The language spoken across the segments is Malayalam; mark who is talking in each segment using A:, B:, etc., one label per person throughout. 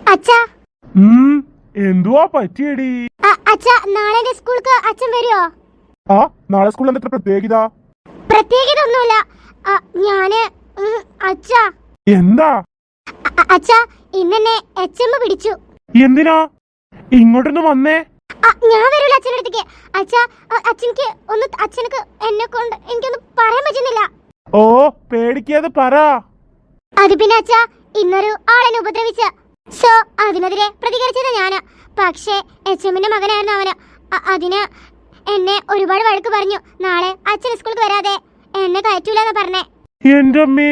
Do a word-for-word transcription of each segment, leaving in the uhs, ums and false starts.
A: അച്ഛാ
B: എന്തുവാ പറ്റിയടി?
A: അച്ഛാ നാളെ സ്കൂൾക്ക് അച്ഛൻ വരുമോ?
B: ആ നാളെ സ്കൂളിൽ എന്താ പ്രത്യേകത?
A: പ്രത്യേകത ഒന്നുമില്ല. ഞാന് അച്ഛാ
B: എന്താ?
A: അച്ഛാ ഇന്നെന്നെ എച്ച് എം പിടിച്ചു.
B: എന്തിനാ ഇങ്ങോട്ടൊന്ന് വന്നേ?
A: ഞാൻ വരൂല അച്ഛൻ്റെ അടുത്തേക്ക്. അച്ഛാ അച്ഛനക്ക് ഒന്ന് അച്ഛനക്ക് എന്നെ കൊണ്ട് എനിക്കൊന്നും പറയാൻ പറ്റുന്നില്ല.
B: ഓ പേടിക്കാതെ പറ.
A: അത് പിന്നെ അച്ഛാ ഇന്നൊരു ആളെന്നെ ഉപദ്രവിച്ച സോ അതിനെതിരെ പ്രതികരിച്ചത് ഞാന്. പക്ഷേ എച്ച് എമ്മിന്റെ മകനായിരുന്നു അവന്. അതിന് എന്നെ ഒരുപാട് വഴക്ക് പറഞ്ഞു. നാളെ അച്ഛൻ സ്കൂളിൽ വരാതെ എന്നെ കയറ്റൂലെന്ന് പറഞ്ഞേ.
B: എന്റെ അമ്മേ,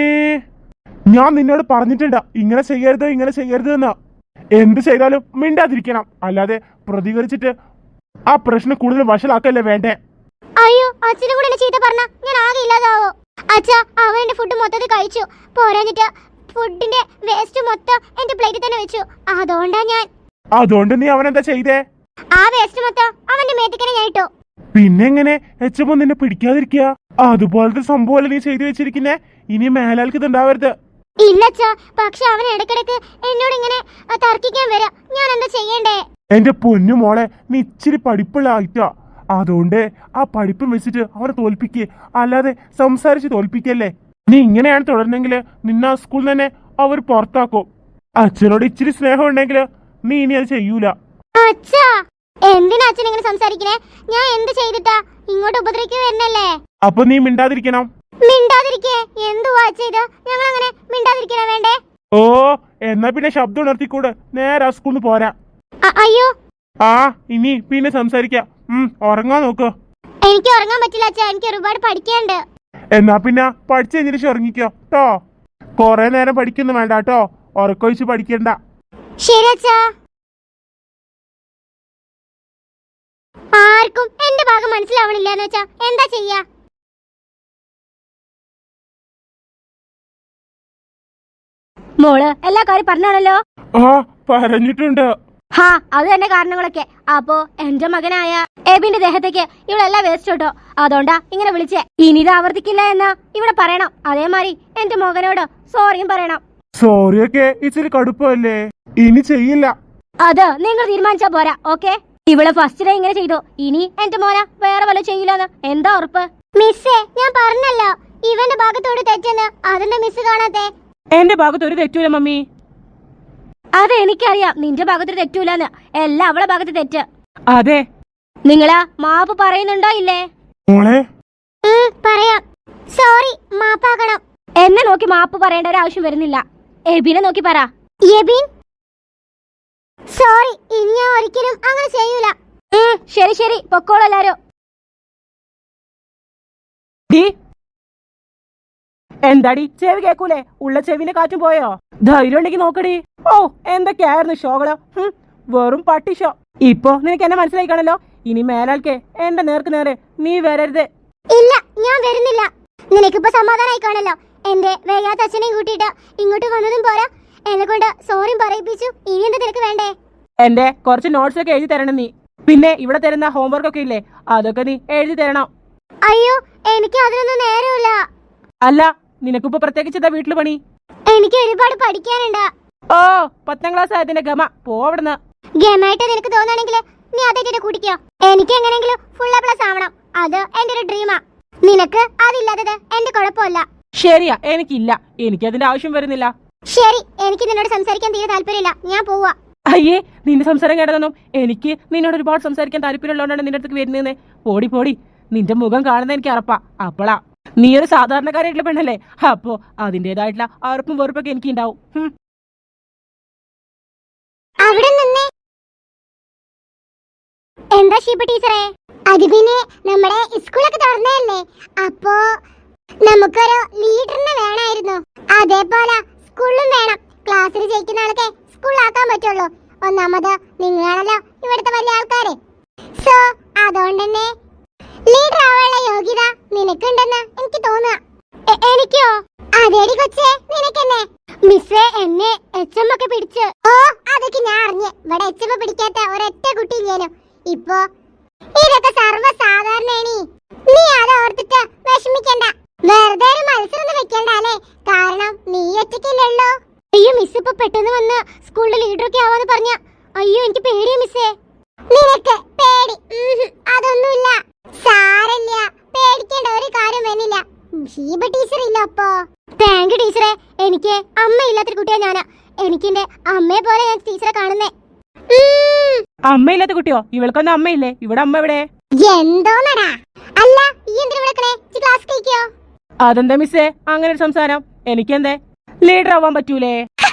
B: ഞാൻ നിന്നോട് പറഞ്ഞിട്ടുണ്ട് ഇങ്ങനെ ചെയ്യരുത് ഇങ്ങനെ ചെയ്യരുത് എന്ന്. എന്ത് ചെയ്താലും മിണ്ടാതിരിക്കണം, അല്ലാതെ പ്രതികരിച്ചിട്ട് ആ പ്രശ്നം കൂടുതൽ വഷളാക്കല്ലേ വേണ്ടേ.
A: അയ്യോ അച്ഛനും കൂടെ എന്നെ ചീത്ത പറഞ്ഞ ഞാൻ ആകെ ഇല്ലാതാവോ? അച്ഛാ അവൻ എന്റെ ഫുഡ് മൊത്തത്തിൽ കഴിച്ചു. പോരാഞ്ഞിട്ട് ഫുഡിന്റെ വേസ്റ്റ് മൊത്തം എന്റെ പ്ലേറ്റിൽ തന്നെ വെച്ചു. അതുകൊണ്ടാ ഞാൻ.
B: അതുകൊണ്ട് നീ അവനെന്താ ചെയ്തേ?
A: ആ വേസ്റ്റ് മൊത്തം അവന്റെ മേത്തിക്കനെ ഞാൻ ഇട്ടു.
B: പിന്നെങ്ങനെ എച്ച് എം നിന്നെ പിടിക്കാതിരിക്കുക? അതുപോലത്തെ സംഭവമല്ലേ നീ ചെയ്തു വെച്ചിരിക്കുന്നേ. ഇനി മേലാൽക്ക് ഇതുണ്ടാവരുത്.
A: ഇല്ലച്ചാ, പക്ഷെ അവൻ ഇടക്കിടക്ക് എന്നോട് ഇങ്ങനെ തർക്കിക്കാൻ വരാ. ഞാൻ എന്താ ചെയ്യണ്ടേ?
B: എന്റെ പൊന്നു മോളെ, നീ ഇച്ചിരി പഠിപ്പുള്ള ആയിട്ടാ. അതുകൊണ്ട് ആ പഠിപ്പും വെച്ചിട്ട് അവനെ തോൽപ്പിക്ക്, അല്ലാതെ സംസാരിച്ച് തോൽപ്പിക്കല്ലേ. നീ ഇങ്ങനെയാണ് തുടർന്നെങ്കിൽ നിന്നെ ആ സ്കൂളിൽ തന്നെ അവർ പുറത്താക്കും. അച്ഛനോട് ഇച്ചിരി സ്നേഹം ഉണ്ടെങ്കിൽ നീ ഇനി അത് ചെയ്യൂല.
A: അച്ഛാ എന്തിനാ അച്ഛൻ ഇങ്ങനെ സംസാരിക്കണേ? ഞാൻ എന്ത് ചെയ്തിട്ടാ? ഇങ്ങോട്ട് ഉപദ്രവിക്കുക വരുന്നല്ലേ.
B: അപ്പൊ നീ മിണ്ടാതിരിക്കണം.
A: മിണ്ടാതിരിക്കേ? എന്തുവാ ചെയ്ത്? ഞങ്ങൾ അങ്ങനെ മിണ്ടാതിരിക്കണ വേണ്ടേ?
B: ഓ എന്നാ പിന്നെ ശബ്ദം ഉണർത്തിക്കൂടെ, നേരെ ആ സ്കൂളിൽ പോരാ.
A: അയ്യോ
B: ആ ഇനി പിന്നെ സംസാരിക്കാം. ഉം ഉറങ്ങാൻ നോക്കോ.
A: എനിക്ക് ഉറങ്ങാൻ പറ്റില്ല അച്ഛാ, എനിക്ക് ഒരുപാട് പഠിക്കാനുണ്ട്.
B: എന്നാ പിന്നെ പഠിച്ചു കഴിഞ്ഞിട്ട് ഉറങ്ങിക്കോ ട്ടോ. കൊറേ നേരം പഠിക്കുന്നു വേണ്ട കേട്ടോ, ഉറക്കൊഴിച്ച് പഠിക്കണ്ട.
A: ശരി അച്ഛാ. ആർക്കും എന്റെ ഭാഗം മനസ്സിലാവണില്ലെന്ന് വെച്ചാ എന്താ ചെയ്യാ?
C: മോള് എല്ലാ കാര്യം പറഞ്ഞാണല്ലോ.
B: ആ പറഞ്ഞിട്ടുണ്ട്.
C: ഹാ അത് തന്നെ കാരണങ്ങളൊക്കെ. അപ്പോ എന്റെ മകനായ എബിന്റെ ദേഹത്തേക്ക് ഇവളെല്ലാം വേസ്റ്റ് കേട്ടോ. അതുകൊണ്ടാ ഇങ്ങനെ വിളിച്ചേ. ഇനി ഇത് ആവർത്തിക്കില്ല എന്ന് ഇവിടെ പറയണം. അതേമാതിരി എന്റെ മകനോട് സോറിയും പറയണം.
B: സോറിയൊക്കെ ഇച്ചിരി കടുപ്പല്ലേ, ഇനി ചെയ്യില്ല.
C: അത് നിങ്ങൾ തീരുമാനിച്ചാ പോരാ. ഓക്കെ, ഇവള് ഫസ്റ്റ് ഡേ ഇങ്ങനെ ചെയ്തു, ഇനി എന്റെ മോന വേറെ വല്ല ചെയ്യില്ലെന്ന് എന്താ ഉറപ്പ്?
A: മിസ്സേ ഞാൻ പറഞ്ഞല്ലോ ഇവന്റെ ഭാഗത്തോട് തെറ്റെന്ന്. അതെന്താ മിസ് കാണാത്തെ?
D: എന്റെ ഭാഗത്ത് ഒരു തെറ്റൂല മമ്മി.
C: അത് എനിക്കറിയാം നിന്റെ ഭാഗത്ത് തെറ്റൂലെന്ന്. എല്ലാം അവളെ ഭാഗത്ത് തെറ്റ്.
D: അതെ.
C: നിങ്ങളാ മാപ്പ് പറയുന്നുണ്ടോ ഇല്ലേ?
B: മോളെ
A: പറയാം. സോറി മാപ്പാക്കണം.
C: എന്നെ നോക്കി മാപ്പ് പറയേണ്ട ഒരു ആവശ്യം വരുന്നില്ല. എബിനെ നോക്കി പറ.
A: എബിൻ സോറി, ഇനി ഞാൻ ഒരിക്കലും അങ്ങനെ ചെയ്യൂല.
C: ശരി ശരി പൊക്കോളൂ എല്ലാരും.
D: എന്താടി ചെവി കേക്കൂലേ? ഉള്ള ചെവിന്റെ കാറ്റും പോയോ? ധൈര്യം ഉണ്ടെങ്കിൽ നോക്കടി. ഓ എന്തൊക്കെയായിരുന്നു ഷോകള്. വെറും പട്ടി ഷോ. ഇപ്പൊ നിനക്ക് എന്നെ മനസ്സിലായി കാണല്ലോ. ഇനി മേലാൽക്കേ എന്റെ നേർക്ക് നേരെ നീ വരരുത്.
A: ഇല്ല ഞാൻ വരുന്നില്ല. നിനക്കിപ്പോ സമാധാനായി കാണല്ലോ. എന്റെ വേഗാത്ത അച്ഛനെയും കൂട്ടിയിട്ട് ഇങ്ങോട്ട് വന്നതും പോരാ, എന്നെ കൊണ്ട് സോറിയും പറയിപ്പിച്ചു. ഇനി എന്താ നിനക്ക് വേണ്ടേ?
D: എന്റെ കുറച്ച് നോട്ട്സ് ഒക്കെ എഴുതി തരണം നീ. പിന്നെ ഇവിടെ തരുന്ന ഹോംവർക്ക് ഒക്കെ ഇല്ലേ, അതൊക്കെ നീ എഴുതി തരണം.
A: അയ്യോ എനിക്ക് അതിനൊന്നും നേരമില്ല.
D: അല്ല നിനക്കിപ്പോ പ്രത്യേകിച്ച് എന്താ വീട്ടില് പണി?
A: എനിക്ക് ഒരുപാട് പഠിക്കാനുണ്ട്.
D: ഓ പത്താം ക്ലാസ് ആയതിന്റെ ഗമ പോവിടുന്ന്.
A: ഗമായിട്ട് നിനക്ക് തോന്നുകയാണെങ്കിൽ നീ അതേറ്റിട്ട് കുടിക്കോ. എനിക്ക് എങ്ങനെയെങ്കിലും ഫുൾ എ പ്ലസ് ആവണം. അത് എന്റെ ഒരു ഡ്രീമാ. നിനക്ക് അതില്ലാത്തത് എന്റെ കുഴപ്പമില്ല.
D: ശരിയാ, എനിക്കില്ല. എനിക്കതിന്റെ ആവശ്യം വരുന്നില്ല.
A: ശരി, എനിക്ക് നിന്നോട് സംസാരിക്കാൻ തീരെ താല്പര്യമില്ല. ഞാൻ പോവാ.
D: അയ്യേ നിന്റെ സംസാരം കേട്ടതൊന്നും എനിക്ക് നിന്നോട് ഒരുപാട് സംസാരിക്കാൻ താല്പര്യമുള്ളതുകൊണ്ടാണ് നിന്റെ അടുത്തേക്ക് വരുന്നതെന്ന്. പോടി പോടി, നിന്റെ മുഖം കാണുന്ന എനിക്ക് അറപ്പാ. അപ്പളാ നീ ഒരു സാധാരണക്കാരായിട്ടുള്ള പെണ്ണല്ലേ, അപ്പോ അതിന്റേതായിട്ടുള്ള അറപ്പും വെറുപ്പൊക്കെ എനിക്ക് ഉണ്ടാവും.
A: അവിടെ നിന്നേ. എന്താ ഷീപ്പ ടീച്ചറേ? അത് പിന്നെ നമ്മുടെ സ്കൂളൊക്കെ തുറന്നതല്ലേ, അപ്പോ നമുക്കൊരു ലീഡറിനെ വേണമായിരുന്നു. അതേപോലെ സ്കൂളിലും വേണം. ക്ലാസ്സിൽ ജയിക്കുന്ന ആളൊക്കെ സ്കൂളിലാക്കാൻ പറ്റുള്ളൂ. ഒന്നാമത് നിങ്ങളാണല്ലോ ഇവിടുത്തെ വലിയ ആൾക്കാര്. സോ അതുകൊണ്ട് തന്നെ ലീഡർ ആവാനുള്ള യോഗ്യത നിനക്കുണ്ടെന്ന് എനിക്ക് തോന്നുക. എനിക്കോ? അതേടി കൊച്ചേ നിനക്കെന്നെ. മിസ്സേ എന്നെ എച്ച് എം ഒക്കെ പിടിച്ചു. ഓ അതൊക്കെ ഞാൻ അറിഞ്ഞ്. ഇവിടെ എച്ച് എം പിടിക്കാത്ത ഒരൊറ്റ കുട്ടി ഞാനും. ഇപ്പൊ ഇതൊക്കെ സർവ്വസാധാരണേണി. നീ അത് ഓർത്തിട്ട് വിഷമിക്കണ്ട. വെറുതെ ഒരു മത്സരം വെക്കണ്ട അല്ലേ, കാരണം നീ ഒറ്റയ്ക്കില്ലല്ലോ. അയ്യോ മിസ് ഇപ്പൊ പെട്ടെന്ന് വന്ന് സ്കൂളിലെ ലീഡറൊക്കെ ആവാന്ന് പറഞ്ഞ. അയ്യോ എനിക്ക് പേടിയാ മിസ്സേ. നിനക്ക് പേടി? അതൊന്നുമില്ല, സാരല്ല, പേടിക്കേണ്ട ഒരു കാര്യം വേണില്ല. ഷീബ ടീച്ചർ ഇല്ല അപ്പോ. താങ്ക് യു ടീച്ചറെ. എനിക്ക് അമ്മ ഇല്ലാത്തൊരു കുട്ടിയാ ഞാനാ. എനിക്ക് എന്റെ അമ്മയെ പോലെ ഞാൻ ടീച്ചറെ കാണുന്നേ.
D: അമ്മയില്ലാത്ത കുട്ടിയോ? ഇവൾക്കൊന്നും അമ്മയില്ലേ? ഇവിടെ അമ്മ എവിടെ?
A: എന്തോന്നടാ? അല്ല ഈ എന്തിനാ വിളിക്കണേ? ക്ലാസ് കേൾക്കിയോ?
D: അതെന്താ മിസ്സേ അങ്ങനെ ഒരു സംസാരം? എനിക്കെന്തേ ലീഡർ ആവാൻ പറ്റൂലേ?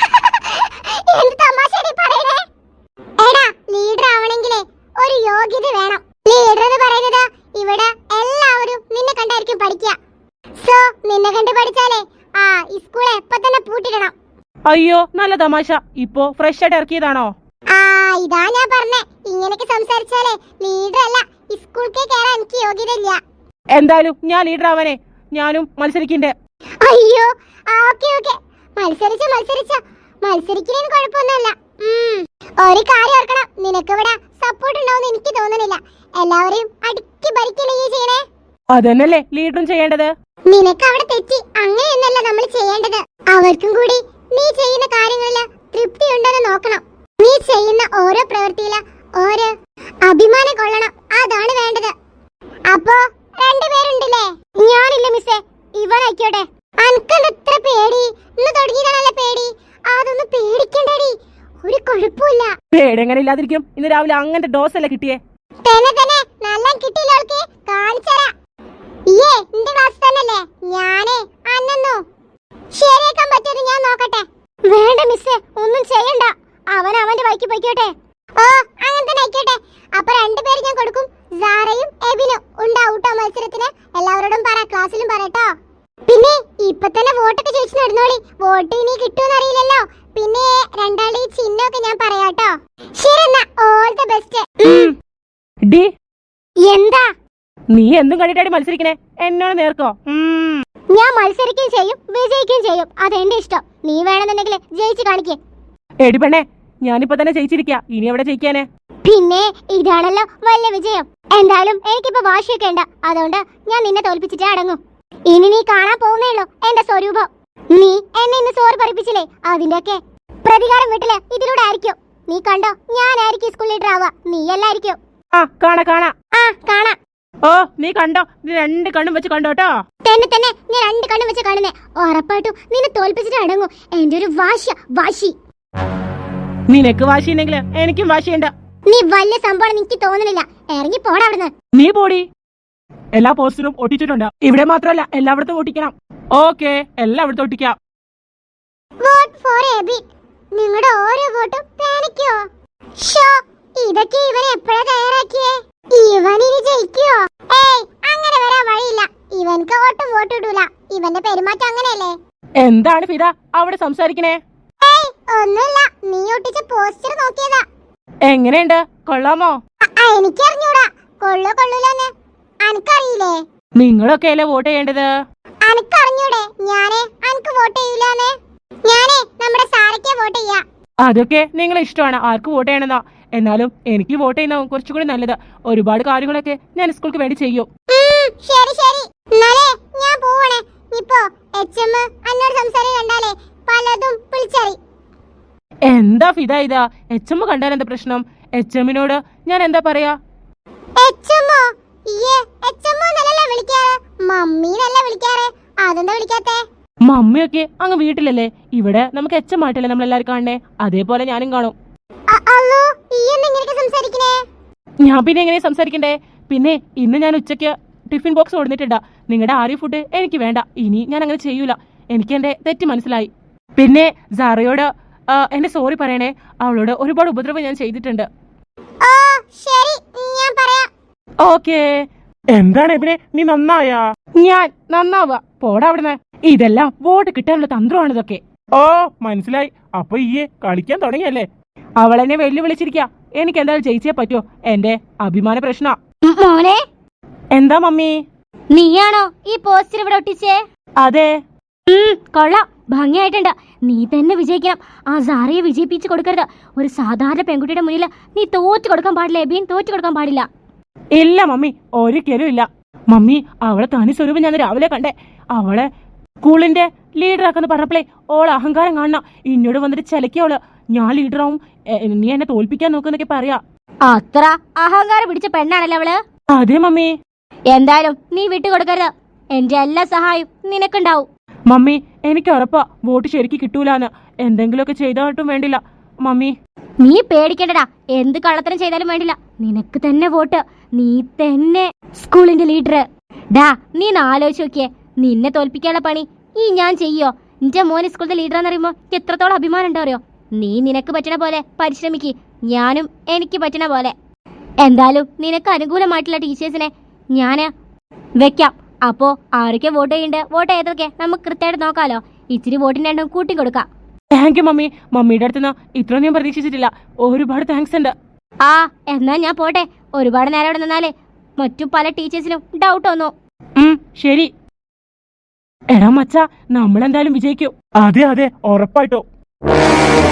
A: എന്ത് തമാശയാടി പറയണേ? എടാ ലീഡർ ആവണമെങ്കിലേ ഒരു യോഗ്യത വേണം. ലീഡർ എന്ന് പറയുന്നത് ഇവിടെ എല്ലാവരും നിന്നെ കണ്ടായിരിക്കും പഠിക്കുക. സോ നിന്നെ കണ്ട് പഠിച്ചാലേ ആ ഈ സ്കൂൾ എപ്പോ തന്നെ പൂട്ടിടണം.
D: അയ്യോ നല്ല തമാശ. ഇപ്പോ ഫ്രഷ് ആയിട്ട് ഇറക്കിയതാണോ?
A: ആ ഇതാ ഞാൻ പറഞ്ഞേ, ഇങ്ങനെയൊക്കെ സംസാരിച്ചാലേ ലീഡർ അല്ല, ഈ സ്കൂളിലേക്ക് കയറാൻ എനിക്ക് യോഗ്യത ഇല്ല.
D: എന്തായാലും ഞാൻ ലീഡർ ആവാനേ ഞാനും മത്സരിക്കണ്ടേ?
A: അയ്യോ ഓക്കെ ഓക്കെ, മത്സരിച്ച മത്സരിച്ച മത്സരിക്കുന്നതിന് കുഴപ്പമൊന്നുമില്ല. ഒരു കാര്യം ഓർക്കണം, നിനക്ക് ഇവിടെ സപ്പോർട്ട് ഉണ്ടാവുമെന്ന് എനിക്ക് തോന്നുന്നില്ല. എല്ലാവരെയും അടുക്കി ഭരിക്കല്ലേ ഈ ചെയ്യണേ?
D: അതന്നല്ലേ ലീഡറും ചെയ്യേണ്ടത്.
A: നിനക്ക് അവിടെ തെറ്റി, അങ്ങനെയൊന്നല്ല നമ്മൾ ചെയ്യേണ്ടത്. അവർക്കും കൂടി നീ ചെയ്യുന്ന കാര്യങ്ങളില് തൃപ്തി ഉണ്ടെന്ന് നോക്കണം. നീ ചെയ്യുന്ന ഓരോ പ്രവൃത്തിയില് ഓരോ അഭിമാനം കൊള്ളണം, അതാണ് വേണ്ടത്. അപ്പോ രണ്ടുപേരുണ്ടല്ലേ? ഞാനില്ല മിസ്സേ, ഇവനായിക്കോട്ടെ. അനക്കെന്ത് എത്ര പേടി? ഇന്ന് തുടങ്ങിയതാണല്ലേ പേടി? അതൊന്നും പേടിക്കണ്ടടി, ഒരു കുഴപ്പമില്ല.
D: പേടെങ്ങനെ ഇല്ലാതിരിക്കും? ഇന്ന് രാവിലെ അങ്ങനത്തെ ഡോസ് അല്ലേ കിട്ടിയേ?
A: തന്നെ തന്നെ നല്ല കിട്ടിയില്ല. അവൾക്ക് കാണിച്ചരാ. ഏ നിന്റെ ക്ലാസ് തന്നെയല്ലേ? ഞാനേ അന്നു ശരിയാക്കാൻ പറ്റിയത് ഞാൻ നോക്കട്ടെ. വേണ്ട മിസ്സേ, ഒന്നും ചെയ്യണ്ട. അവൻ അവന്റെ വഴിക്ക് പോയിക്കോട്ടെ. ഓ അങ്ങനെ തന്നെ ആയിക്കോട്ടെ. അപ്പൊ രണ്ടുപേര് ഞാൻ കൊടുക്കും. സാറയും എബിനും ഉണ്ടാവൂട്ടോ മത്സരത്തിന്. എല്ലാവരോടും പറ, ക്ലാസ്സിലും പറയട്ടോ. പിന്നെ ഇപ്പൊ തന്നെ വോട്ടൊക്കെ ചോദിച്ചു നടന്നോളി. വോട്ട് ഇനി കിട്ടുമെന്ന് അറിയില്ലല്ലോ. പിന്നെ രണ്ടാളി ചിഹ്നമൊക്കെ ഞാൻ പറയാട്ടോ. ശരി എന്നാ, ഓൾ ദ ബെസ്റ്റ്.
D: ഡി
A: എന്താ
D: നീ എന്തും കണ്ടിട്ടാടി മത്സരിക്കണേ? എന്നോട് നേർക്കോ?
A: ഞാൻ മത്സരിക്കുകയും ചെയ്യും വിജയിക്കുകയും ചെയ്യും, അതെന്റെ ഇഷ്ടം. നീ വേണമെന്നുണ്ടെങ്കിൽ ജയിച്ചു കാണിക്കേ.
D: എടി പെണ്ണേ, ഞാനിപ്പോ തന്നെ ജയിച്ചിരിക്കാ, ഇനി എവിടെ ജയിക്കാനേ?
A: പിന്നെ ഇതാണല്ലോ വലിയ വിജയം. എന്തായാലും എനിക്കിപ്പോ വാശിയൊക്കെ ഉണ്ട്, അതുകൊണ്ട് ഞാൻ നിന്നെ തോൽപ്പിച്ചിട്ടേ അടങ്ങും. ഇനി നീ കാണാൻ പോകുന്നേ ഉള്ളൂ എന്റെ സ്വരൂപം. നീ എന്നെ ഇന്ന് സോറി പറയിപ്പിച്ചില്ലേ, അതിന്റെയൊക്കെ പ്രതികാരം വീട്ടില് ഇതിലൂടെ ആയിരിക്കും. നീ കണ്ടോ, ഞാനായിരിക്കും സ്കൂൾ ലീഡർ ആവുക, നീ അല്ലായിരിക്കും.
D: ആ കാണാ കാണാ
A: ആ കാണാം.
D: ഓ നീ കണ്ടോ, നീ രണ്ട് കണ്ണും വെച്ച് കണ്ടോട്ടോ.
A: തന്നെ തന്നെ ഞാൻ രണ്ട് കണ്ണും വെച്ച് കാണുന്നേ. ഉറപ്പായിട്ടും നിന്നെ തോൽപ്പിച്ചിട്ട് അടങ്ങും. എന്റെ ഒരു വാശ വാശി.
D: നിനക്ക് വാശിയുണ്ടെങ്കിൽ എനിക്കും വാശിയുണ്ട്.
A: നീ വലിയ സംഭവം എനിക്ക് തോന്നുന്നില്ല. ഇറങ്ങി പോടാ അവിടുന്ന്.
D: നീ പോടി. എല്ലാ പോസ്റ്ററും ഒട്ടിച്ചിട്ടുണ്ട്. ഇവിടെ മാത്രമല്ല എല്ലായിടത്തും ഒട്ടിക്കണം. ഓക്കെ, എല്ലായിടത്തും ഒട്ടിക്കാം.
A: Vote four AB. നിങ്ങളുടെ ഓരോ വോട്ടും പേനിക്കോ? ഷോ ഇതൊക്കെ ഇവൻ എപ്പോഴാ തയ്യാറാക്കിയേ? ഇവൻ ഇനി ജയിക്കുവോ? ഏയ് അങ്ങനെ വരാൻ വഴിയില്ല. ഇവൻക്ക് വോട്ടും വോട്ട് ഇടൂല. ഇവന്റെ പെരുമാറ്റം അങ്ങനെയല്ലേ?
D: എന്താണ് ഫിദ അവിടെ സംസാരിക്കണേ?
A: ഏയ് ഒന്നുമില്ല, നീ ഒട്ടിച്ച പോസ്റ്റർ നോക്കിയതാ.
D: എങ്ങനെയുണ്ട്, കൊള്ളാമോ?
A: എനിക്കറിഞ്ഞൂടാ കൊള്ളോ കൊള്ളൂലെന്ന്. അനക്കറിയില്ലേ?
D: നിങ്ങളൊക്കെ അല്ലേ വോട്ട് ചെയ്യേണ്ടത്?
A: അനക്കറിഞ്ഞൂടെ ഞാനേ അനക്ക് വോട്ട് ചെയ്യൂലെന്ന്? ഞാനേ നമ്മുടെ സാറയ്ക്ക് വോട്ട് ചെയ്യാ.
D: അതൊക്കെ നിങ്ങളെ ഇഷ്ടമാണ്, ആർക്ക് വോട്ട് ചെയ്യണമെന്നോ. എന്നാലും എനിക്ക് വോട്ട് ചെയ്യുന്ന കുറച്ചുകൂടി നല്ലത്. ഒരുപാട് കാര്യങ്ങളൊക്കെ ഞാൻ സ്കൂൾക്ക് വേണ്ടി ചെയ്യും.
A: ശരി ശരി, എന്നാലേ ഞാൻ പോവണേ. ഇപ്പോ എച്ച് എം എന്നോട് സംസാരം കണ്ടാലേ പലതും വിളിച്ചറി.
D: എന്താ ഫിദ ഇതാ? എച്ച് എം കണ്ടാൽ എന്താ പ്രശ്നം? എച്ച് എമ്മിനോട് ഞാൻ എന്താ പറയാ?
A: എച്ച് എമ്മോ? ഇയ്യേ എച്ച് എം എന്നല്ലേ വിളിക്കാറ്, മമ്മി എന്നല്ലേ വിളിക്കാറ്. അതെന്താ വിളിക്കാത്തെ?
D: മമ്മിയൊക്കെ അങ്ങ് വീട്ടിലല്ലേ, ഇവിടെ നമുക്ക് എച്ച് എം ആയിട്ടല്ലേ നമ്മളെല്ലാരും കാണണേ. അതേപോലെ ഞാനും കാണും.
A: അല്ലോ ഈ എന്തെങ്കിലും സംസാരിക്കണേ?
D: ഞാൻ പിന്നെ എങ്ങനെ സംസാരിക്കണ്ടേ? പിന്നെ ഇന്ന് ഞാൻ ഉച്ചയ്ക്ക് ടിഫിൻ ബോക്സ് കൊടുത്തിട്ടുണ്ട്. നിങ്ങളുടെ ആര്യ ഫുഡ് എനിക്ക് വേണ്ട. ഇനി ഞാൻ അങ്ങനെ ചെയ്യൂല. എനിക്ക് എന്റെ തെറ്റ് മനസ്സിലായി. പിന്നെ സാറയോട് എന്റെ സോറി പറയണേ. അവളോട് ഒരുപാട് ഉപദ്രവം ഞാൻ ചെയ്തിട്ടുണ്ട്. ഓക്കേ.
B: എന്താണ് എബിനെ, നീ നന്നായാ?
D: ഞാൻ നന്നാവാ? പോടാ അവിടുന്ന്. ഇതെല്ലാം വോട്ട് കിട്ടാനുള്ള തന്ത്രമാണ് ഇതൊക്കെ.
B: ഓ മനസ്സിലായി. അപ്പൊ ഈയെ കളിക്കാൻ തുടങ്ങിയല്ലേ?
D: അവളെന്നെ വെല്ലുവിളിച്ചിരിക്ക. എനിക്ക് എന്തായാലും ജയിച്ചേ പറ്റോ. എന്റെ അഭിമാന പ്രശ്ന.
C: മോനെ,
D: എന്താ മമ്മി?
C: നീയാണോ ഈ പോസ്റ്റർ ഇവിടെ ഒട്ടിച്ചേ?
D: അതെ.
C: കൊള്ളാം, ഭംഗിയായിട്ടുണ്ട്. നീ തന്നെ വിജയിക്കണം. ആ സാറയെ വിജയിപ്പിച്ച് കൊടുക്കരുത്. ഒരു സാധാരണ പെൺകുട്ടിയുടെ മുന്നിൽ നീ തോറ്റു കൊടുക്കാൻ പാടില്ല. എബിൻ തോറ്റു കൊടുക്കാൻ പാടില്ല.
D: ഇല്ല മമ്മി, ഒരിക്കലും ഇല്ല. മമ്മി, അവളെ തനി സ്വരൂപം ഞാൻ രാവിലെ കണ്ടേ. അവളെ സ്കൂളിന്റെ ലീഡർ ആക്കെന്ന് പറഞ്ഞപ്പോഴേ ഓള് അഹങ്കാരം കാണണം. ഇന്നോട് വന്നിട്ട് ചിലക്കോള് ഞാൻ ലീഡറാവും, എ, നീ എന്നെ തോൽപ്പിക്കാൻ നോക്കുന്നൊക്കെ പറയാ.
C: അത്ര അഹങ്കാരം പിടിച്ച പെണ്ണാണല്ലോ അവള്.
D: അതെ മമ്മി.
C: എന്തായാലും നീ വിട്ടുകൊടുക്കരുത്. എന്റെ എല്ലാ സഹായവും നിനക്കുണ്ടാവും.
D: മമ്മി എനിക്ക് ഉറപ്പാ വോട്ട് ശരിക്ക് കിട്ടൂലെന്ന്. എന്തെങ്കിലുമൊക്കെ ചെയ്തായിട്ടും വേണ്ടില്ല മമ്മി.
C: നീ പേടിക്കണ്ടടാ. എന്ത് കള്ളത്തരം ചെയ്താലും വേണ്ടില്ല, നിനക്ക് തന്നെ വോട്ട്. നീ തന്നെ സ്കൂളിന്റെ ലീഡർ. ഡാ നീ ഒന്ന് ആലോചിച്ച് നോക്കിയേ, നിന്നെ തോൽപ്പിക്കാനുള്ള പണി ഈ ഞാൻ ചെയ്യോ? നിന്റെ മോന് സ്കൂളിന്റെ ലീഡർ എന്നറിയുമ്പോ എത്രത്തോളം അഭിമാനം ഉണ്ടോ അറിയോ? നീ നിനക്ക് പറ്റണ പോലെ പരിശ്രമിക്ക്, ഞാനും എനിക്ക് പറ്റണ പോലെ. എന്തായാലും നിനക്ക് അനുകൂലമായിട്ടുള്ള ടീച്ചേഴ്സിനെ ഞാന് വെക്കാം. അപ്പോ ആരൊക്കെ വോട്ട് ചെയ്യണ്ട്, വോട്ട് ചെയ്തൊക്കെ നമുക്ക് കൃത്യമായിട്ട് നോക്കാലോ. ഇച്ചിരി വോട്ടിന് രണ്ടും കൂട്ടി കൊടുക്കാം.
D: Thank you mummy. മമ്മിയുടെ അടുത്ത് നിന്ന് ഇത്രയും ഞാൻ പ്രതീക്ഷിച്ചിട്ടില്ല. ഒരുപാട് താങ്ക്സ് ഉണ്ട്.
C: ആ എന്നാ ഞാൻ പോട്ടെ. ഒരുപാട് നേരം ഇവിടെ നിന്നാലേ മറ്റു പല ടീച്ചേഴ്സിനും ഡൗട്ട് വന്നു.
D: ഉം ശരി. എടാ മച്ചാ, നമ്മളെന്തായാലും വിജയിക്കും.
B: അതെ അതെ ഉറപ്പായിട്ടോ.